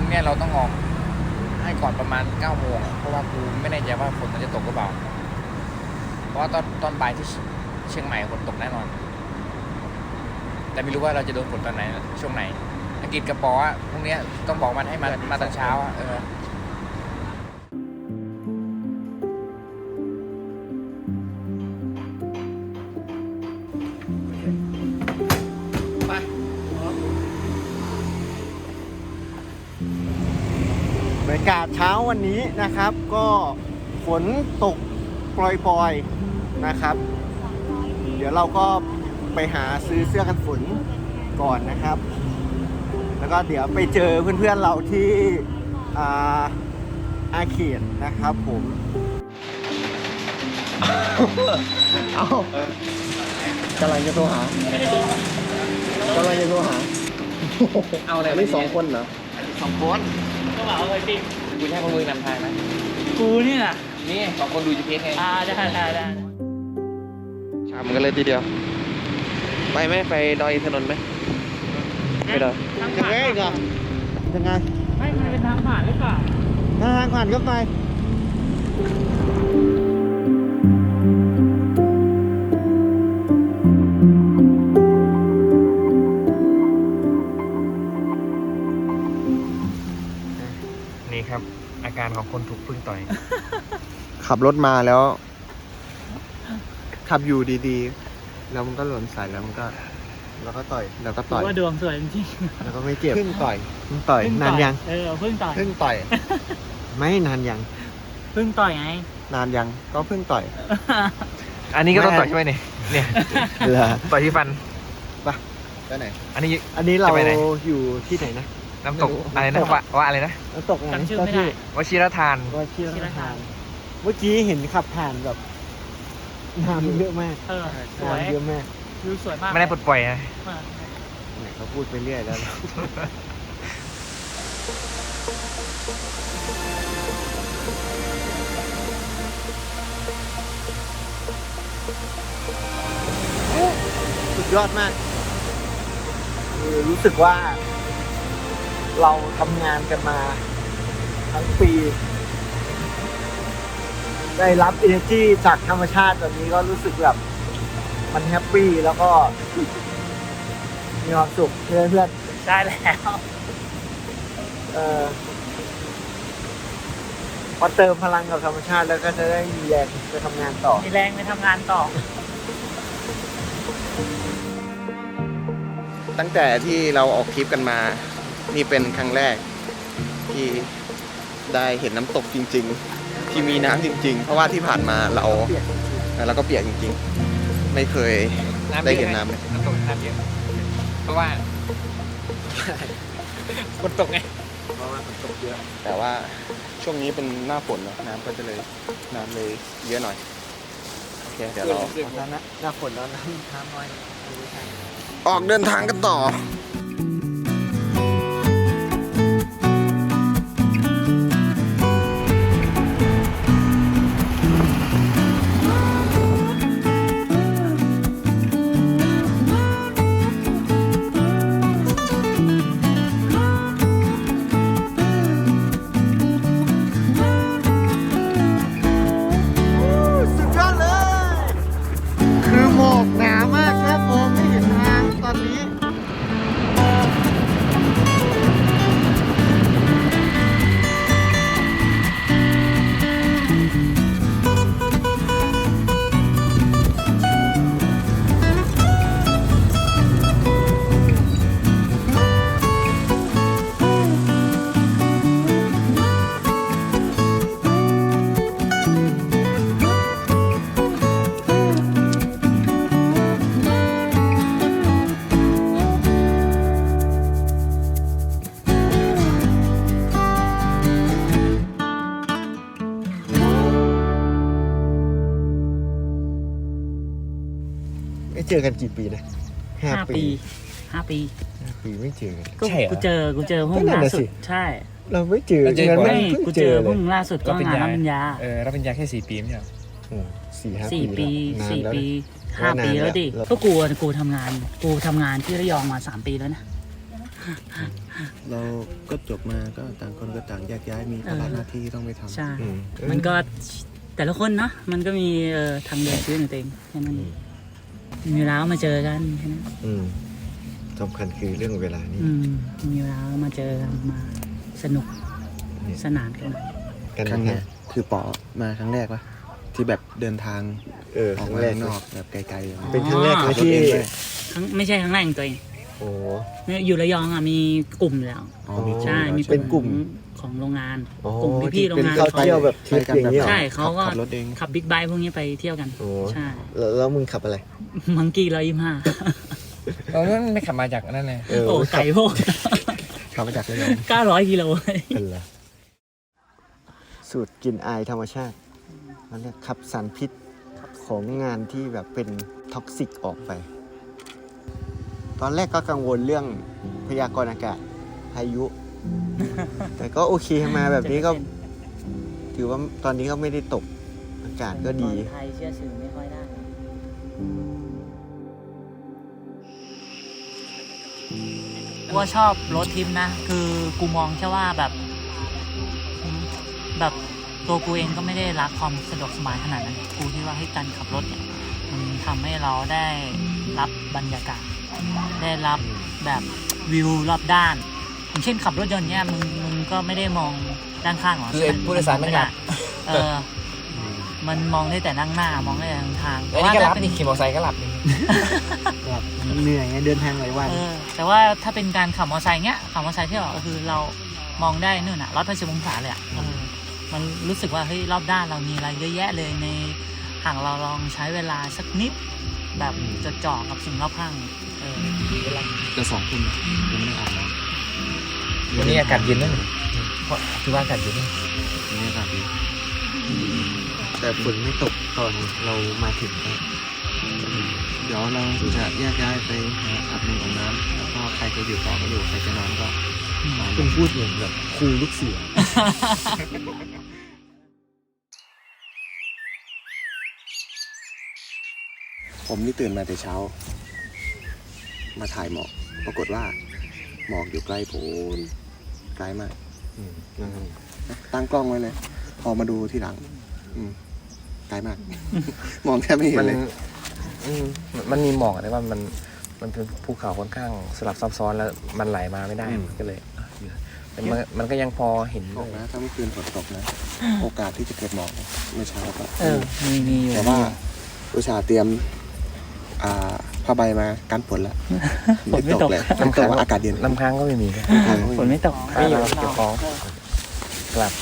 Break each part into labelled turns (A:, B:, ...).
A: รุ่งนี้เราต้องออกให้ก่อนประมาณ9 โมงเพราะว่ากูไม่แน่ใจว่าฝนมันจะตกหรือเปล่าเพราะว่าตอนบ่ายที่เชียงใหม่ฝนตกแน่นอนแต่ไม่รู้ว่าเราจะโดนฝนตอนไหนช่วงไหนอังกฤษกับปออ่ะพรุ่งนี้ต้องบอกมันให้มาตอนเช้าอ่ะ
B: บรรยากาศเช้าวันนี้นะครับก็ฝนตกปล่อยๆนะครับเดี๋ยวเราก็ไปหาซื้อเสื้อกันฝนก่อนนะครับแล้วก็เดี๋ยวไปเจอเพื่อนๆเราที่อาเขตนะครับผมเอากำลังจะโทรหเอาอะไรไม่2 คนเหรอ2 คน
A: ก็บอกเลยจริงกูให้พวกมึงนำทางนะ
C: กูนี่น่ะ
A: นี่2 คนดู GPS ไง
C: ได้
A: ชามกันเลยทีเดียวไปไหมไปดอยอินทนนท์ไหมไปดอย
B: ยังไงก่อนยังไง
C: ไม่มันเป็นทางผ่านหรือเปล่า
B: ทางผ่านก็ไป
A: นี่ครับอาการของคนถูกพึ่งต่อย
B: ขับรถมาแล้วขับอยู่ดีๆแล้วมันก็หล่นใส่แล้วก็ต่อย
C: ว่าดวงสวยจริง
B: แล้วก็ไม่เจ็บพึ่งต่อยนานยัง
C: พึ่งต่อย
B: ไม่นานยัง
C: พึ่งต่อยไง
B: นานยังก็พึ่งต่อย
A: อันนี้ก็ต้องต่อยใช่ไหมเนี่ยต่อยที่ฟัน
B: ไปไหนอันนี้เราอยู่ที่ไหนนะ
A: น้ำตกอะไรนะว่าอะไรนะ
B: น้ำตกไหน
C: จำชื่อไม่ได้
A: วชิรทาน
B: เมื่อกี้เห็นขับผ่านแบบน้ำเยอะมาก
C: สวย
B: เยอะมาก
C: วิวสวยมาก
A: ไม่ได้ปลดปล่อยนะ
B: เขาพูดไปเรื่อยแล้วสุดยอดมากรู้สึกว่าเราทำงานกันมาทั้งปีได้รับ energy จากธรรมชาติแบบนี้ก็รู้สึกแบบมันแฮปปี้แล้วก็มีความสุขเพื่อน
C: ๆใช่แล้ว
B: พอเติมพลังกับธรรมชาติแล้วก็จะได้มีแรงไปทำงานต่อตั้งแต่ที่เราออกทริปกันมานี่เป็นครั้งแรกที่ได้เห็นน้ำตกจริงๆที่มีน้ำจริงๆเพราะว่าที่ผ่านมาเราก็เปียกจริงๆไม่เคยได้เห็นน้ำเลย
A: น้ำตกน้ำเยอะเพราะว่าฝนตกไง
B: เพราะว่าฝนตกเยอะแต่ว่าช่วงนี้เป็นหน้าฝนน้ำก็จะเลยเยอะหน่อยโอเคเดี๋ยวเราหน้าฝนแล้วน้ำน้อยออกเดินทางกันต่อเจอกันกี่ปีนะ
C: 5 ปี
B: ไม่เจอกัน
C: ใช่กูเจอเพิ่งล่าสุดใช่
B: เราไม่เจอ
C: ไม่กูเจอเพิ่งล่าสุดก็งานรับปริญญา
A: รับปริญญาแค่4 ปีไม่ใช่
C: 4 ปี5 ปีแล้วดิก็กูทำงานที่ระยองมา3 ปีแล้วนะ
B: เราก็จบมาก็ต่างคนก็ต่างแยกย้ายมีภาระหน้าที่ต้องไปทำ
C: ใช่ มันก็แต่ละคนเนาะมันก็มีทางเดินชีวิตของตัวเองแค่นั้นเองมีเวลามาเจอกันแค่นั้น
B: สำคัญคือเรื่องเวลานี่
C: มีเวลามาเจอกันมาสนุกสนานกัน
B: ครั้งเนี้ยคือปอมาครั้งแรกวะที่แบบเดินทางออกมาข้างนอกแบบไกลๆเป็นครั้งแรกเลยที่
C: ไม่ใช่ครั้งแรกของตัวเอง
B: โอ้
C: เนี่ยอยู่ระยองมีกลุ่มแล้ว ใช่มี
B: เป็นกลุ่ม
C: ของโรงงานกลุ่มพี่ๆโรงงาน
B: เขาเที่ยวแบบทริปอย่างนี้เหรอ
C: ใช่เขาก็
B: ขับรถเอง
C: ขับบิ๊กไบค์พวกนี้ไปเที่ยวกันใช่
B: แล้วมึงขับอะไร
C: มังกี้125
A: ไม่ขับมาจากนั่นเลย
C: โอ้ไก่พวก
B: ขับมาจากระยอง
C: 900 กิโล
B: เป็นไรสูตรกลิ่นอายธรรมชาติมันเรียกขับสารพิษของงานที่แบบเป็นท็อกซิกออกไป ตอนแรกก็กังวลเรื่องพยากรณ์อากาศพายุ แต่ก็โอเคมาแบบนี้ก็ ถือว่าตอนนี้ก็ไม่ได้ตกอากาศก็ดี
C: ไทยเชื่อสื่อไม่ค่อยได้ว่าชอบรถทริปนะ คือกูมองแค่ว่าแบบตัวกูเองก็ไม่ได้รักความสะดวกสบายขนาดนั้น กูคิดว่าให้การขับรถเนี่ยมันทำให้เราได้รับบรรยากาศ ได้รับแบบวิวรอบด้านอย่างเช่นขับรถยนต์เนี่ยมึงก็ไม่ได้มองด้านข้างหรอ
A: คือผู้โดยสารไม่หลับ
C: มันมองได้แต่นั่งหน้ามองได้แต่ทาง
A: แล้วนี่ก็หลับนี่ขี่มอเตอร์ไซค์ก็หลับนี่
B: เหนื่อยไงเดินทางหลายวัน
C: แต่ว่าถ้าเป็นการขับมอเตอร์ไซค์เนี้ยขับมอเตอร์ไซค์ที่แบบก็คือเรามองได้นู่นน่ะ180 องศาเลยอ่ะมันรู้สึกว่าเฮ้ยรอบด้านเรามีอะไรเยอะแยะเลยในห่างเราลองใช้เวลาสักนิดแบบจดจ่อกับสิ่งรอบข้าง
B: จะ2 ทุ่มยังไม่ได้อาบน้ำ
A: วันนี้อากาศเย็นนะเพราะคือว่าอากาศเย็นนะ
B: วันนี้อากาศดีแต่ฝนไม่ตกตอนเรามาถึงเดี๋ยวเราจะแยกย้ายไปหาอาบน้ำแล้วก็ใครจะอยู่ต่อก็อยู่ใครจะนอนก็คุณพูดเหมือนแบบครูลูกเสือ ผมนี่ตื่นมาแต่เช้า มาถ่ายหมอกปรากฏว่าหมอกอยู่ใกล้โพ้นไกลมากตั้งกล้องไว้เลย พอมาดูทีหลังไกลมาก มองแทบไม่เห็นเลย
A: มันมีหมอกแต่ว่ามันเป็นภูเขาค่อนข้างสลับซับซ้อนแล้วมันไหลมาไม่ได้ก็เลยแต่มันก็ยังพอเห็น
B: ตกนะถ้าเมื่อคืนฝนตกนะ โอกาสที่จะเกิดหมอกเมื่อเช้าก็
C: มีอยู่
B: แต่ว่าอุตส่าห์เตรียมผ้าใบมากันฝนแล้ว
C: ฝนไม่ตก
B: เลยน้ำตกว่าอากาศเย็น
A: น้ำค้างก็ไม่มี
C: ฝนไม่ตก
A: ไม่อยู่เก็บของกลับ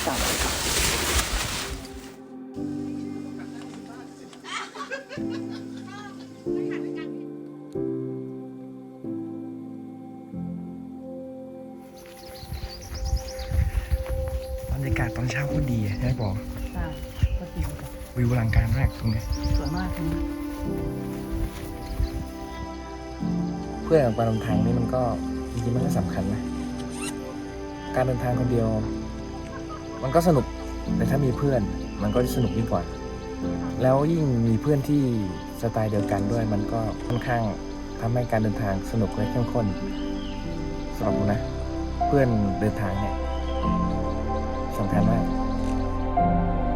A: บรรยากาศตอนเช้าก็ดีใช่ไหมบอก
C: ใช่ก็ดี
A: วิวอลังการมากตรงนี้
C: สวยมากนะ
A: เพื่อนกับการเดินทางนี่มันก็จริงๆมันก็สำคัญนะ การเดินทางคนเดียว มันก็สนุกแต่ถ้ามีเพื่อนมันก็สนุกยิ่งกว่า แล้วยิ่งมีเพื่อนที่สไตล์เดียวกันด้วย มันก็ค่อนข้างทำให้การเดินทางสนุกและเข้มข้นสำหรับผมนะ เพื่อนเดินทางเนี่ยสำคัญมาก